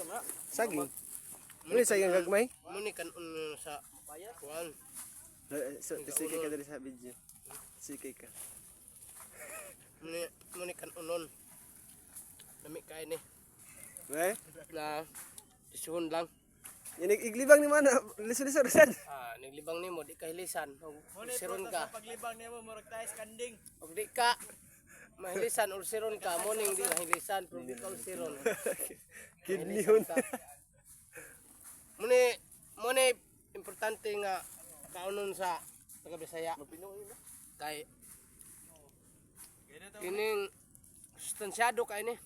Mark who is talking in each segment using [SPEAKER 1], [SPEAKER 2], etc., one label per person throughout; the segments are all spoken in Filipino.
[SPEAKER 1] Saging. Muli saging gagmay.
[SPEAKER 2] Muni kan sa kuan.
[SPEAKER 1] So, sikay ka dali sa video. Sikay ka.
[SPEAKER 2] Muni kan unon. Nami kay ni.
[SPEAKER 1] Weh?
[SPEAKER 2] Na isuhon lang.
[SPEAKER 1] Yan iglibang ni mana, liso-liso rasad.
[SPEAKER 2] Naglibang nimo di ka hilisan. Ulsiron ka.
[SPEAKER 3] Paglibang nimo murag tayo skanding.
[SPEAKER 2] Og di ka mahilisan ulsiron ka, morning di mahilisan, pero di ka ulsiron.
[SPEAKER 1] Kidney yun.
[SPEAKER 2] Muni importante nga kaunon sa taga Bisaya. Kay kining sustansyado kay ni.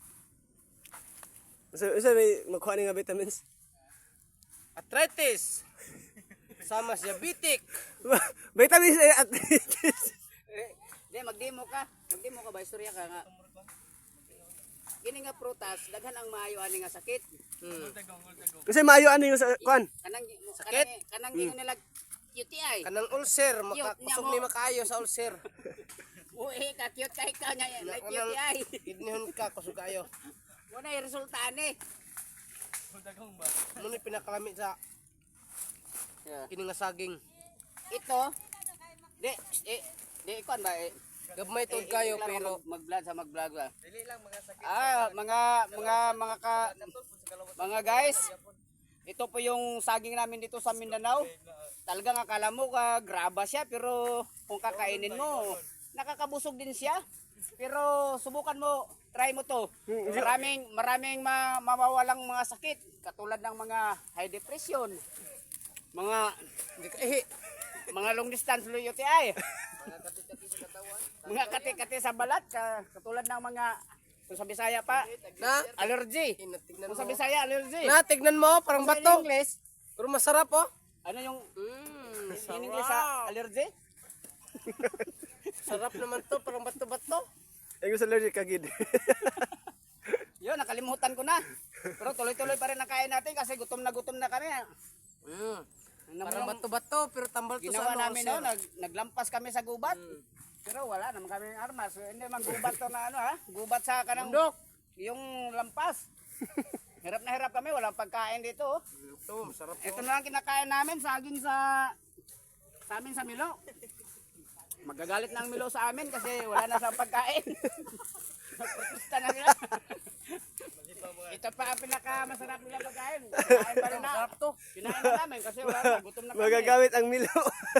[SPEAKER 1] So may makuha ni nga vitamins.
[SPEAKER 2] Arthritis. Sama sa diabetic.
[SPEAKER 1] Vitamins at arthritis.
[SPEAKER 4] Di magdemo ka ba istorya ka nga. Kini nga prutas daghan ang maayo ani nga sakit.
[SPEAKER 1] Kasi maayo ano yung sa kuan.
[SPEAKER 2] Sakit?
[SPEAKER 4] Kanang gingon nila UTI.
[SPEAKER 2] Kanang ulcer, makakusog ni makayo sa ulcer.
[SPEAKER 4] Uy, ka cute kay ka nya UTI.
[SPEAKER 2] Kidnihon ka kusog kayo.
[SPEAKER 4] Wala ay resulta ani.
[SPEAKER 2] Muni pinakalami sa kini nga saging.
[SPEAKER 4] Ito di ikon ba
[SPEAKER 2] Gabmay tod kayo pero
[SPEAKER 4] mag-vlog sa mag-vlog ba.
[SPEAKER 3] Dili lang mga sakit.
[SPEAKER 4] Mga guys, ito po yung saging namin dito sa Mindanao. Talagang akala mo graba siya pero kung kakainin mo, nakakabusog din siya. Pero subukan mo, try mo to. Maraming mawawalang mga sakit katulad ng mga high depression, mga long distance UTI. Mga kati-kati sa balat katulad ng mga kung sa Bisaya pa
[SPEAKER 2] na
[SPEAKER 4] allergy. Kung sa Bisaya allergy.
[SPEAKER 2] na tignan mo parang bato.
[SPEAKER 4] English,
[SPEAKER 2] Pero masarap oh.
[SPEAKER 4] ano yung in English sa allergy?
[SPEAKER 2] Sarap naman to, parang bato-bato.
[SPEAKER 1] Ay gusto allergic kagid.
[SPEAKER 4] Yun, nakalimutan ko na. Pero tuloy-tuloy pa rin ang kain natin kasi gutom na kami.
[SPEAKER 2] Parang bato-bato pero tambal to
[SPEAKER 4] Ginawa
[SPEAKER 2] sa
[SPEAKER 4] namin naglampas kami sa gubat. Pero wala naman kami armas. Hindi man gubat to na gubat sa kanang
[SPEAKER 2] bundok.
[SPEAKER 4] Yung lampas. Hirap na hirap kami, walang pagkain dito.
[SPEAKER 2] Ito, masarap
[SPEAKER 4] Ito na lang kinakain namin, saging sa amin sa Milo. Magagalit na ang Milo sa amin kasi wala na sa pagkain. Nagprotesta na sila. Ito pa ang pinakamasarap nila pagkain. Kinain pa rin na. Kinain na namin kasi wala na, gutom na kami.
[SPEAKER 1] Magagamit ang Milo.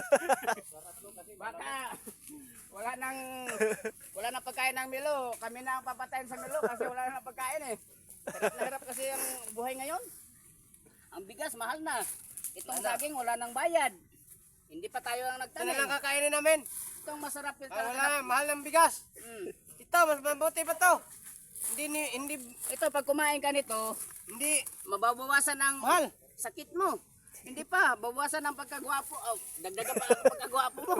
[SPEAKER 4] Baka wala nang pagkain ng Milo. Kami na ang papatayin sa Milo kasi wala nang pagkain eh. Hirap na hirap kasi ang buhay ngayon. Ang bigas mahal na. Itong saging wala nang bayad. Hindi pa tayo ang
[SPEAKER 2] Ito na
[SPEAKER 4] nagtanim.
[SPEAKER 2] lang kakainin namin.
[SPEAKER 4] Itong masarap yung
[SPEAKER 2] Wala, mahal ng bigas. Ito, mas mabuti pa to. Hindi,
[SPEAKER 4] Ito pag kumain ka nito, mababawasan ang
[SPEAKER 2] mahal.
[SPEAKER 4] sakit mo. Hindi pa, babawasan ang pagkagwapo. Oh, dagdagan pa ang pagkagwapo mo.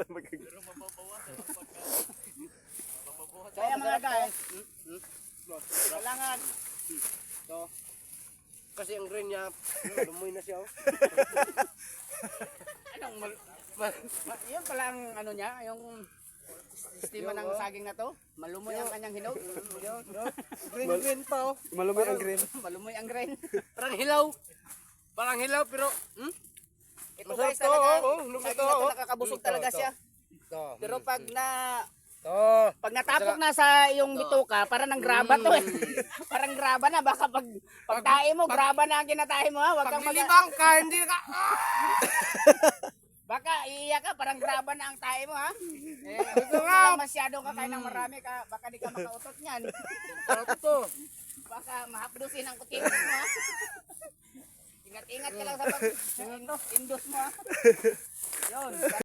[SPEAKER 4] Kaya mga guys, kailangan
[SPEAKER 2] Kasi ang green niya, lumoy na siya. Oh.
[SPEAKER 4] yun pala ang ano niya, yung sistema ng saging na to. Malumoy ang kanyang hinog.
[SPEAKER 2] Green pa oh.
[SPEAKER 1] Malumay ang green.
[SPEAKER 4] Malumoy ang grain.
[SPEAKER 2] Parang hilaw. Parang hilaw pero
[SPEAKER 4] Ito
[SPEAKER 2] masarap
[SPEAKER 4] guys
[SPEAKER 2] to,
[SPEAKER 4] talaga,
[SPEAKER 2] oh,
[SPEAKER 4] saging na to nakakabusog talaga siya. Pero pag natapok na sa iyong bituka, parang nang graba to eh. Parang graba na, baka pag tae mo, graba na ang kinatae mo ha. Wag kang
[SPEAKER 2] paglilibang ka, hindi ka.
[SPEAKER 4] baka iiyak ka, parang graba na ang tae mo ha. Kung lang masyadong kakain ng marami ka, baka di ka makautot niyan. Baka mahapdusin ang kutin mo ha. Ingat-ingat ka lang sa pag-indos mo ha. Yun.